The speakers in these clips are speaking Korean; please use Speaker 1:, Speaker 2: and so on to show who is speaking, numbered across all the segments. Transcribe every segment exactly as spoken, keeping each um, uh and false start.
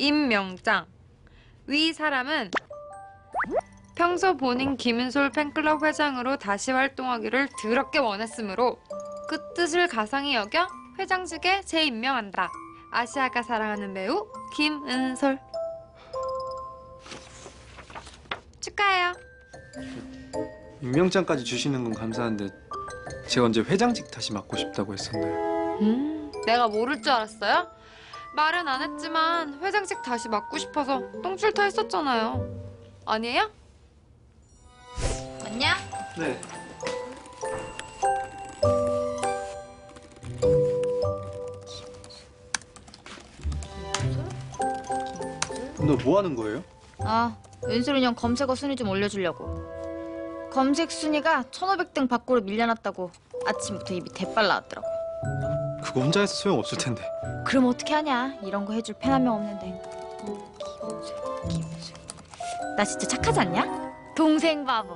Speaker 1: 임명장. 위 사람은 평소 본인 김은솔 팬클럽 회장으로 다시 활동하기를 드럽게 원했으므로 그 뜻을 가상히 여겨 회장직에 재임명한다. 아시아가 사랑하는 배우 김은솔. 축하해요.
Speaker 2: 임명장까지 주시는 건 감사한데 제가 언제 회장직 다시 맡고 싶다고 했었나요?
Speaker 1: 음, 내가 모를 줄 알았어요? 말은 안 했지만 회장직 다시 맡고 싶어서 똥줄타 했었잖아요. 아니에요?
Speaker 3: 맞냐?
Speaker 2: 네. 너 뭐 하는 거예요?
Speaker 3: 아, 은솔이 형 검색어 순위 좀 올려주려고. 검색 순위가 천오백 등 밖으로 밀려났다고 아침부터 입이 대빨 나왔더라고.
Speaker 2: 그거 혼자 해서 소용없을 텐데.
Speaker 3: 그럼 어떻게 하냐? 이런 거 해줄 팬 한 명 없는데. 김은솔, 김은솔. 나 진짜 착하지 않냐? 동생 바보.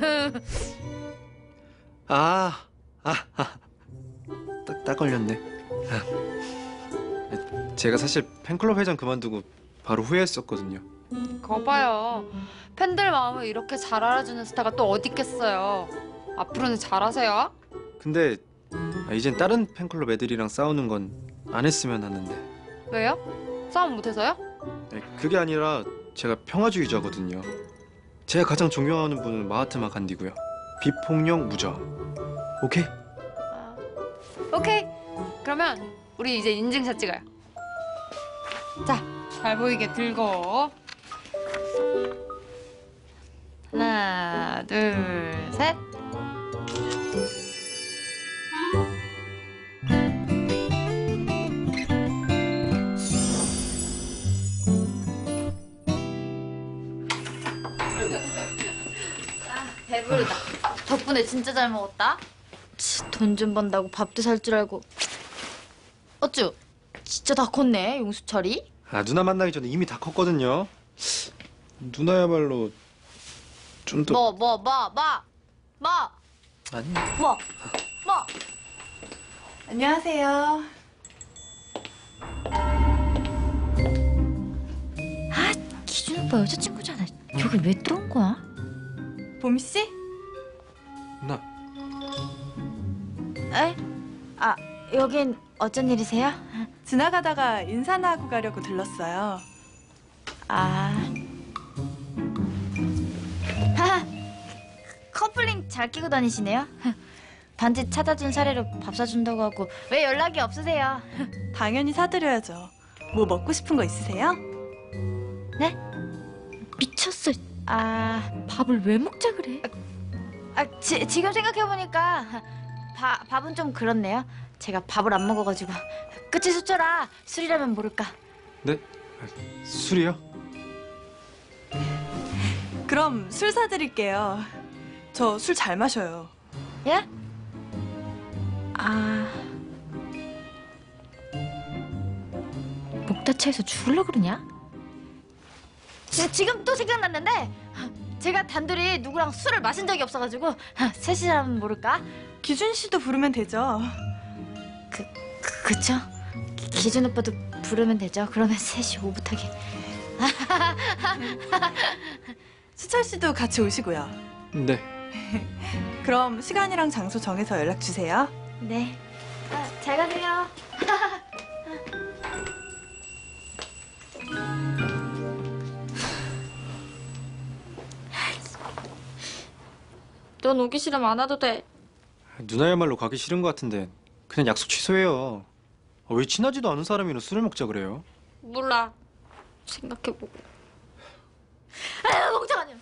Speaker 2: 아, 아, 아. 딱, 딱 걸렸네. 아. 제가 사실 팬클럽 회장 그만두고 바로 후회했었거든요.
Speaker 1: 거 봐요. 팬들 마음을 이렇게 잘 알아주는 스타가 또 어디 있겠어요. 앞으로는 잘하세요.
Speaker 2: 근데 아, 이젠 다른 팬클럽 애들이랑 싸우는 건 안 했으면 하는데.
Speaker 1: 왜요? 싸움 못해서요?
Speaker 2: 아니, 그게 아니라 제가 평화주의자거든요. 제가 가장 존경하는 분은 마하트마 간디고요. 비폭력 무저. 오케이?
Speaker 1: 아, 오케이. 그러면 우리 이제 인증샷 찍어요. 자, 잘 보이게 들고. 하나, 둘, 셋.
Speaker 3: 배부르다. 덕분에 진짜 잘 먹었다. 돈 좀 번다고 밥도 살 줄 알고. 어쭈? 진짜 다 컸네, 용수철이.
Speaker 2: 아, 누나 만나기 전에 이미 다 컸거든요. 누나야말로 좀 더...
Speaker 3: 뭐, 뭐, 뭐, 뭐, 뭐,
Speaker 2: 아니...
Speaker 3: 뭐, 뭐.
Speaker 4: 안녕하세요.
Speaker 3: 아, 기준 오빠 여자친구잖아. 여기 왜 들어온 거야?
Speaker 4: 봄 씨?
Speaker 2: 누나...
Speaker 3: 에? 아, 여긴 어쩐 일이세요?
Speaker 4: 지나가다가 인사나 하고 가려고 들렀어요.
Speaker 3: 아... 하하, 커플링 잘 끼고 다니시네요. 반지 찾아준 사례로 밥 사준다고 하고 왜 연락이 없으세요?
Speaker 4: 당연히 사드려야죠. 뭐 먹고 싶은 거 있으세요?
Speaker 3: 네? 미쳤어. 아, 밥을 왜 먹자 그래? 아, 지, 지금 생각해보니까 바, 밥은 좀 그렇네요. 제가 밥을 안 먹어가지고. 끝이 수저라 술이라면 모를까.
Speaker 2: 네? 술이요?
Speaker 4: 그럼 술 사드릴게요. 저 술 잘 마셔요.
Speaker 3: 예? 아... 목 다쳐서 죽을라 그러냐? 지, 지금 또 생각났는데 제가 단둘이 누구랑 술을 마신 적이 없어가지고 셋이라면 모를까?
Speaker 4: 기준 씨도 부르면 되죠.
Speaker 3: 그, 그 그쵸? 기, 기준 오빠도 부르면 되죠? 그러면 셋이 오붓하게.
Speaker 4: 수철 씨도 같이 오시고요.
Speaker 2: 네.
Speaker 4: 그럼 시간이랑 장소 정해서 연락 주세요.
Speaker 3: 네. 아, 잘 가세요. 넌 오기 싫으면 안 와도 돼.
Speaker 2: 누나야말로 가기 싫은 것 같은데 그냥 약속 취소해요. 아, 왜 친하지도 않은 사람이랑 술을 먹자 그래요?
Speaker 3: 몰라. 생각해보고. 아유, 멍청하냐.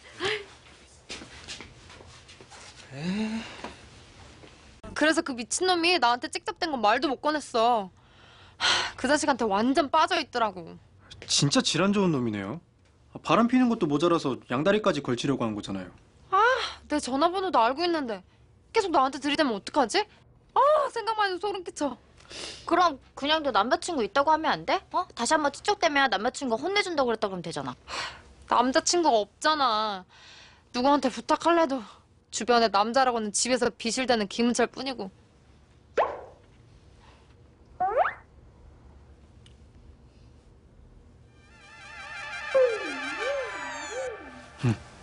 Speaker 1: 그래서 그 미친놈이 나한테 찍잡댄 건 말도 못 꺼냈어. 하, 그 자식한테 완전 빠져있더라고.
Speaker 2: 진짜 질환 좋은 놈이네요. 아, 바람 피는 것도 모자라서 양다리까지 걸치려고 한 거잖아요.
Speaker 1: 내 전화번호도 알고 있는데 계속 나한테 들이대면 어떡하지? 아, 생각만 해도 소름 끼쳐.
Speaker 3: 그럼 그냥 너 남자친구 있다고 하면 안 돼? 어? 다시 한번 찌쩍대면 남자친구가 혼내준다고 그랬다 그러면 되잖아.
Speaker 1: 남자친구가 없잖아. 누구한테 부탁할래도 주변에 남자라고는 집에서 비실대는 김은철 뿐이고.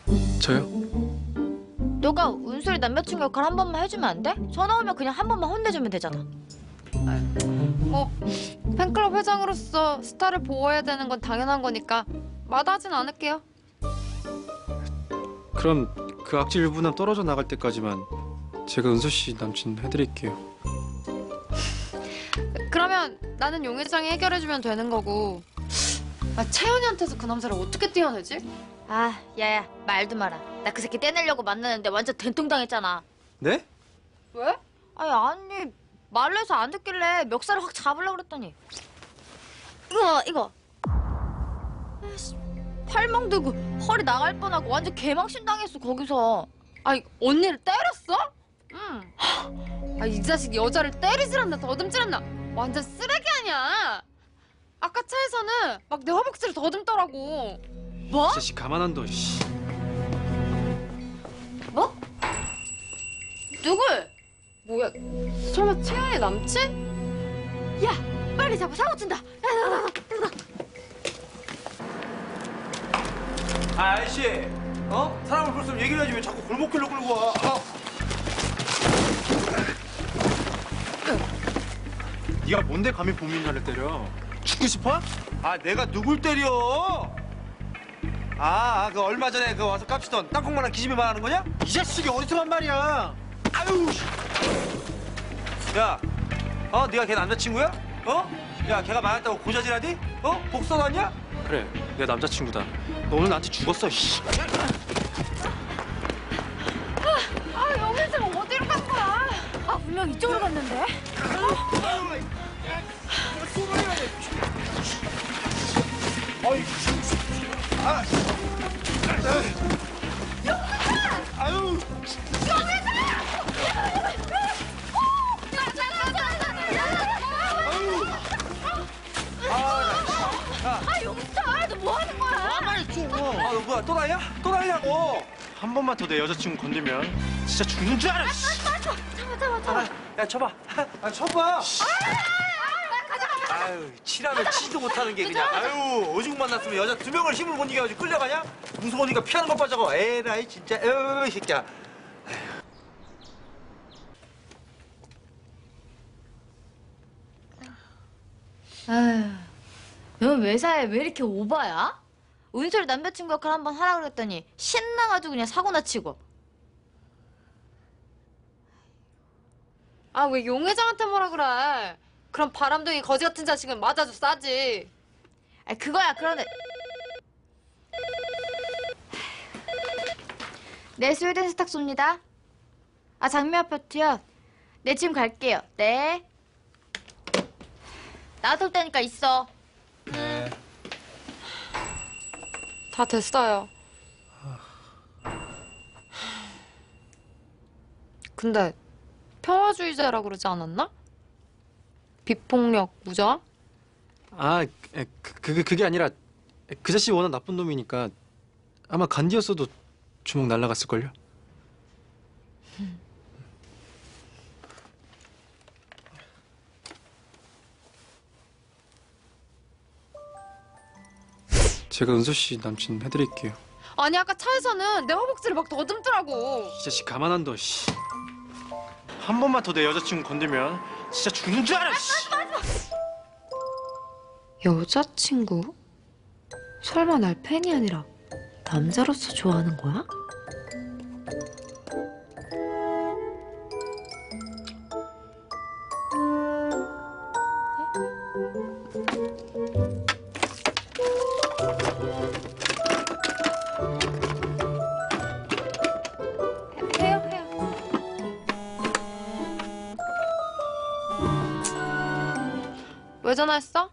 Speaker 2: 저요?
Speaker 3: 너가 은솔이 남자친구 역할 한 번만 해주면 안 돼? 전화 오면 그냥 한 번만 혼내주면 되잖아.
Speaker 1: 뭐 팬클럽 회장으로서 스타를 보호해야 되는 건 당연한 거니까 마다하진 않을게요.
Speaker 2: 그럼 그 악질 유부남 떨어져 나갈 때까지만 제가 은서 씨 남친 해드릴게요.
Speaker 1: 그러면 나는 용 회장이 해결해주면 되는 거고. 아, 채연이한테서 그 남자를 어떻게 떼어내지?
Speaker 3: 아, 야야, 말도 마라. 나 그 새끼 떼내려고 만나는데 완전 된통당했잖아.
Speaker 2: 네?
Speaker 1: 왜?
Speaker 3: 아니, 아니, 말로 해서 안 듣길래 멱살을 확 잡으려고 그랬더니. 이거, 이거. 아이씨, 팔멍 들고 허리 나갈 뻔하고 완전 개망신 당했어, 거기서.
Speaker 1: 아니, 언니를 때렸어?
Speaker 3: 응.
Speaker 1: 아, 이 자식 여자를 때리질 않나 더듬질 않나 완전 쓰레기 아니야. 아까 차에서는 막 내 허벅지를 더듬더라고.
Speaker 3: 뭐?
Speaker 2: 이 자식 가만 안 둬. 씨.
Speaker 3: 뭐? 누굴?
Speaker 1: 뭐야, 설마 채연이 남친?
Speaker 3: 야, 빨리 잡아, 사고 친다. 야, 나, 나, 나, 나.
Speaker 5: 아, 아저씨, 어? 사람을 볼수록 얘기를 해야지 왜 자꾸 골목길로 끌고 와? 아.
Speaker 2: 네가 뭔데 감히 보민이를 때려? 죽고 싶어?
Speaker 5: 아, 내가 누굴 때려? 아, 아, 그 얼마 전에 그 와서 깝치던 땅콩만한 기집애 말하는 거냐?
Speaker 2: 이 자식이 어리석한 말이야.
Speaker 5: 아유, 씨. 야, 어, 네가 걔 남자친구야? 어? 야, 걔가 맞았다고 고자질하디? 어? 복선 아니야?
Speaker 2: 그래, 내 남자친구다. 너 오늘 나한테 죽었어. 씨.
Speaker 3: 아, 영일생 어디로 간 거야? 아, 분명 이쪽으로 갔는데.
Speaker 5: 어이, 아, 아유,
Speaker 3: 아, 용철, 너 뭐 하는 거야?
Speaker 2: 빨리 줘.
Speaker 5: 아, 너 뭐야? 또 나야? 또 나냐고?
Speaker 2: 한 번만 더 내 여자친구 건들면 진짜 죽는 줄 알아. 씨.
Speaker 3: 잡아, 잡아, 잡아.
Speaker 5: 야, 쳐봐. 아, 쳐봐. 아유, 칠하면 치지도 못하는 게 그냥. 아유, 오죽 만났으면 여자 두 명을 힘을 못 이겨가지고 끌려가냐? 무서우니까 피하는 것 빠져고. 에라이 진짜. 에이, 이 새끼야.
Speaker 3: 아휴, 넌 회사에 왜 이렇게 오바야? 은솔이 남자친구 역할 한 번 하라 그랬더니 신나가지고 그냥 사고나 치고.
Speaker 1: 아, 왜 용 회장한테 뭐라 그래? 그럼 바람둥이 거지 같은 자식은 맞아도 싸지.
Speaker 3: 아, 그거야, 그런데. 네, 스웨덴 스탁 쏩니다. 아, 장미 아파트요? 네, 지금 갈게요. 네. 나왔을 때니까 있어.
Speaker 1: 다 됐어요. 근데 평화주의자라 그러지 않았나? 비폭력 무저항?
Speaker 2: 아, 에, 그, 그게 그게 아니라 그 자식 워낙 나쁜 놈이니까 아마 간디였어도 주먹 날라갔을 걸요. 제가 은서 씨 남친 해드릴게요.
Speaker 1: 아니, 아까 차에서는 내 허벅지를 막 더듬더라고.
Speaker 2: 이 자식 가만 안 둬. 씨. 한 번만 더 내 여자친구 건들면 진짜 죽는 줄 알아. 씨.
Speaker 1: 여자친구? 설마 날 팬이 아니라 남자로서 좋아하는 거야? 해요, 해요. 왜 전화했어?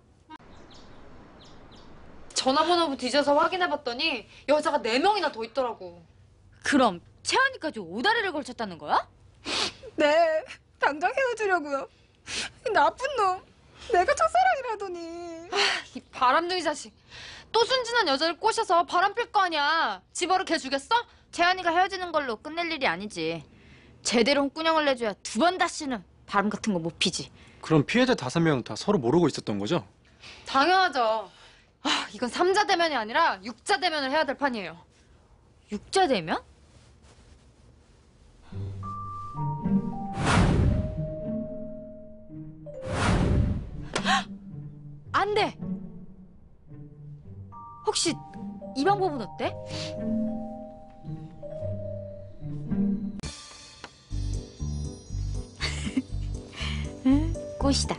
Speaker 1: 전화번호부 뒤져서 확인해봤더니 여자가 네 명이나 더 있더라고.
Speaker 3: 그럼 채연이까지 오다리를 걸쳤다는 거야?
Speaker 4: 네, 당장 헤어지려고요. 나쁜 놈. 내가 첫사랑이라더니.
Speaker 1: 이 바람둥이 자식. 또 순진한 여자를 꼬셔서 바람 필 거 아니야. 집어를 개 주겠어?
Speaker 3: 채연이가 헤어지는 걸로 끝낼 일이 아니지. 제대로 홍군형을 내줘야 두 번 다시는 바람 같은 거 못 피지.
Speaker 2: 그럼 피해자 다섯 명 다 서로 모르고 있었던 거죠?
Speaker 1: 당연하죠. 아, 이건 삼자 대면이 아니라 육자 대면을 해야 될 판이에요.
Speaker 3: 육자되면? 안 돼! 혹시 이 방법은 어때? 꽃이다.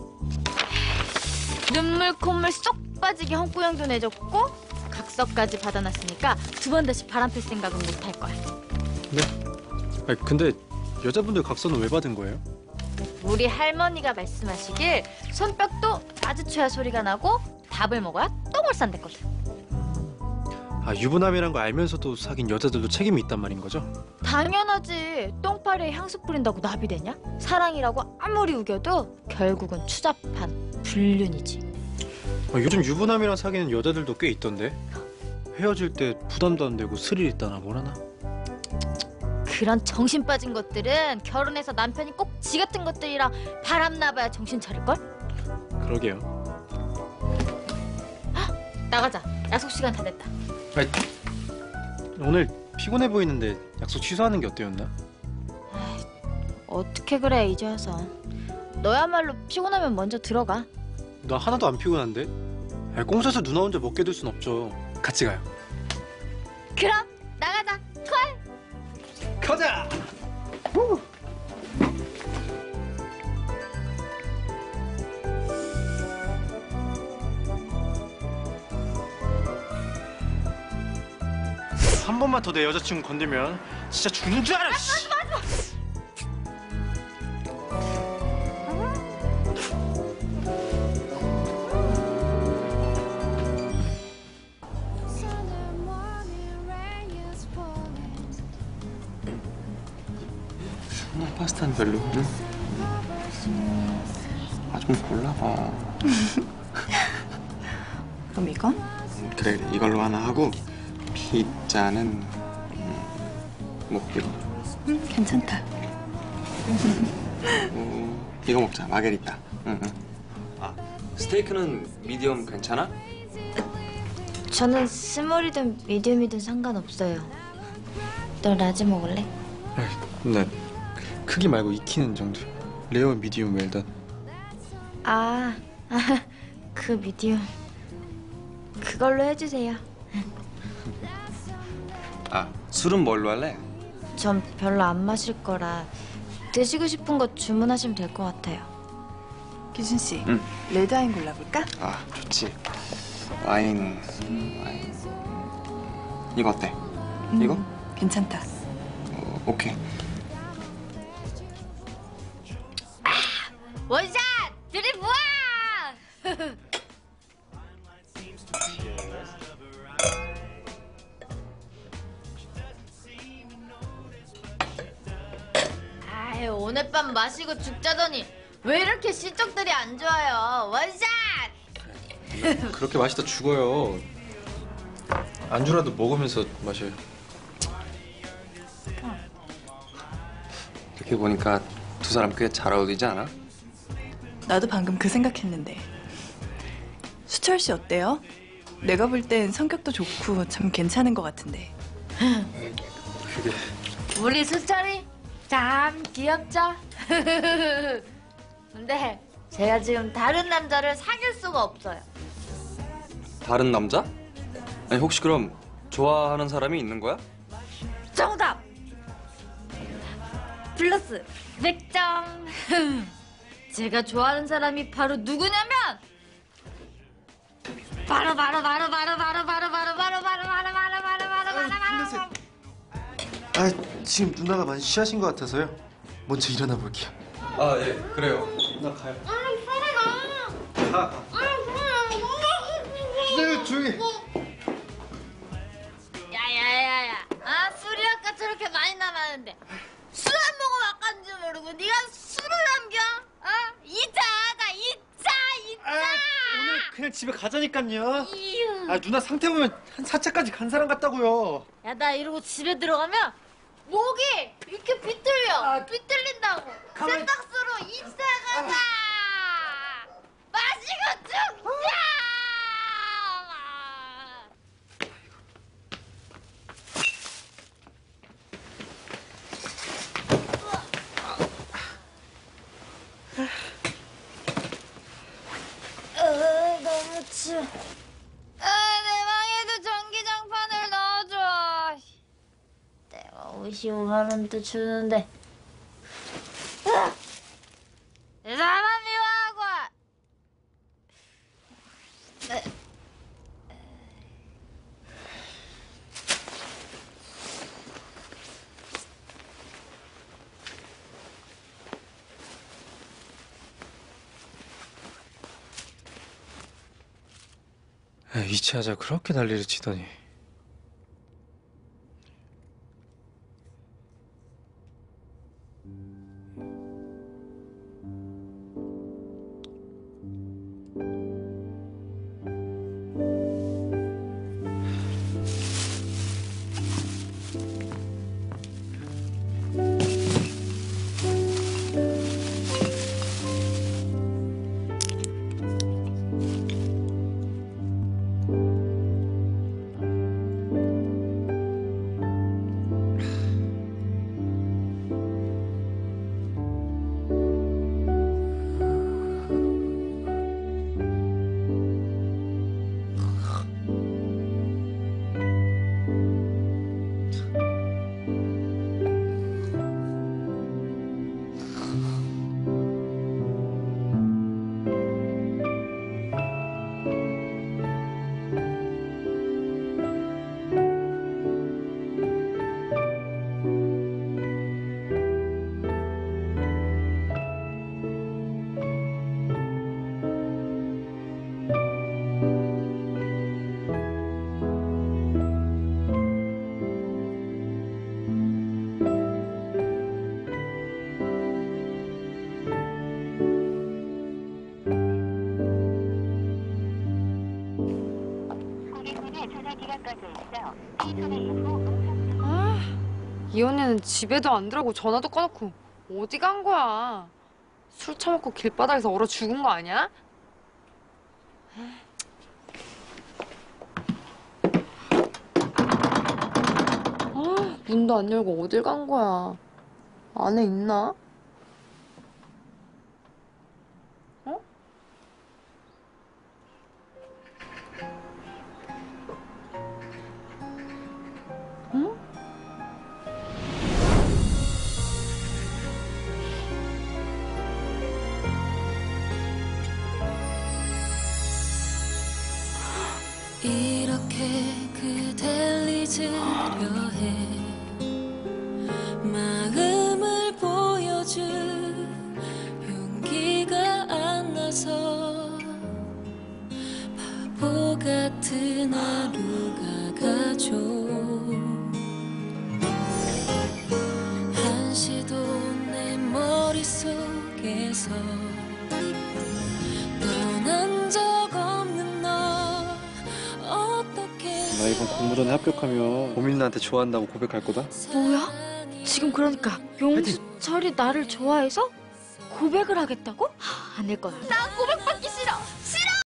Speaker 3: 눈물 콧물 쏙 빠지게 헛구형도 내줬고 각서까지 받아놨으니까 두 번 다시 바람 필 생각은 못 할 거야.
Speaker 2: 네? 아니, 근데 여자분들 각서는 왜 받은 거예요?
Speaker 3: 우리 할머니가 말씀하시길 손뼉도 마주쳐야 소리가 나고 밥을 먹어야 똥을 싼댔거든.
Speaker 2: 아, 유부남이란 거 알면서도 사귄 여자들도 책임이 있단 말인 거죠?
Speaker 3: 당연하지. 똥파리에 향수 뿌린다고 나비 되냐? 사랑이라고 아무리 우겨도 결국은 추잡한 불륜이지.
Speaker 2: 아, 요즘 유부남이랑 사귀는 여자들도 꽤 있던데. 헤어질 때 부담도 안 되고 스릴 있다나 뭐라나.
Speaker 3: 그런 정신 빠진 것들은 결혼해서 남편이 꼭 지 같은 것들이랑 바람 나봐야 정신 차릴걸?
Speaker 2: 그러게요.
Speaker 3: 나가자. 약속 시간 다 됐다.
Speaker 2: 아니, 오늘 피곤해 보이는데 약속 취소하는 게 어때였나?
Speaker 3: 어떻게 그래 이제 와서. 너야말로 피곤하면 먼저 들어가.
Speaker 2: 나 하나도 안 피곤한데? 아니, 꽁사서 누나 혼자 먹게 둘 순 없죠. 같이 가요.
Speaker 3: 그럼 나가자. 콜!
Speaker 2: 가자! 한 번만 더 내 여자친구 건들면 진짜 죽는 줄 알아. 씨.
Speaker 6: 나 파스타는 별로. 응? 아, 좀 골라봐.
Speaker 4: 그럼 이건?
Speaker 6: 음, 그래, 그래, 이걸로 하나 하고 피자는 음, 뭐 이거.
Speaker 4: 응, 괜찮다.
Speaker 6: 어, 이거 먹자, 마게리타. 응, 응. 아, 스테이크는 미디엄 괜찮아?
Speaker 3: 저는 스몰이든 미디움이든 상관없어요. 너 라지 먹을래?
Speaker 2: 나 크기 말고 익히는 정도. 레어, 미디움, 웰던.
Speaker 3: 아, 아, 그 미디움. 그걸로 해주세요.
Speaker 6: 아, 술은 뭘로 할래?
Speaker 3: 전 별로 안 마실 거라 드시고 싶은 거 주문하시면 될 것 같아요.
Speaker 4: 기준 씨,
Speaker 6: 응.
Speaker 4: 레드와인 골라볼까?
Speaker 6: 아, 좋지. 와인, 와인. 이거 어때?
Speaker 4: 음,
Speaker 6: 이거?
Speaker 4: 괜찮다.
Speaker 6: 어, 오케이.
Speaker 3: 원샷! 드립 우와! 아유, 오늘 밤 마시고 죽자더니 왜 이렇게 실적들이 안 좋아요? 원샷!
Speaker 2: 그렇게 마시다 죽어요. 안주라도 먹으면서 마셔요.
Speaker 6: 이렇게 보니까 두 사람 꽤 잘 어울리지 않아?
Speaker 4: 나도 방금 그 생각했는데. 수철 씨 어때요? 내가 볼 땐 성격도 좋고 참 괜찮은 것 같은데.
Speaker 2: 그게
Speaker 3: 우리 수철이 참 귀엽죠? 근데 제가 지금 다른 남자를 사귈 수가 없어요.
Speaker 6: 다른 남자? 아니 혹시 그럼 좋아하는 사람이 있는 거야?
Speaker 3: 정답! 플러스 백 점. 제가 좋아하는 사람이 바로 누구냐면 바로 바로 바로 바로 바로 바로 바로 바로 바로 바로 바로 바로 바로 바로 바로
Speaker 2: 아, 지금 누나가 많이 취하신 것 같아서요. 먼저 일어나 볼게요.
Speaker 6: 아, 예, 그래요.
Speaker 2: 나 가요. 가. 가. 기다려, 조용히.
Speaker 3: 야야야야, 아 술이 아까 저렇게 많이 남았는데 술 안 먹으면 아까인지 모르고 네가 술을 남겨? 어? 이자 하자, 이자 이자.
Speaker 2: 오늘 그냥 집에 가자니까요.
Speaker 3: 이유.
Speaker 2: 아, 누나 상태 보면 한 사 차까지 간 사람 같다고요.
Speaker 3: 야, 나 이러고 집에 들어가면 목이 이렇게 비틀려. 비틀린다고.
Speaker 2: 가만히-
Speaker 3: 세탁소로 이사 가자. 마시고 죽자. 내 방에도 전기장판을 넣어줘. 내가 오십오만 원도 주는데. 내 사람만 미워하고.
Speaker 2: 야, 이치하자 그렇게 난리를 치더니.
Speaker 1: 이 언니는 집에도 안 들어가고 전화도 꺼놓고 어디 간 거야? 술 처먹고 길바닥에서 얼어 죽은 거 아니야? 아, 문도 안 열고 어딜 간 거야? 안에 있나? 어? 응?
Speaker 7: 이렇게 그댈 잊으려 해 마음을 보여줄 용기가 안 나서 바보 같은 하루가 가죠 한시도 내 머릿속에서 떠난 적 없는 너 어떻게
Speaker 2: 나 이번 공모전에 합격하면 고민나한테 좋아한다고 고백할 거다.
Speaker 3: 뭐야? 지금 그러니까 용수철이 나를 좋아해서 고백을 하겠다고? 하, 안 될 거야. 나 고백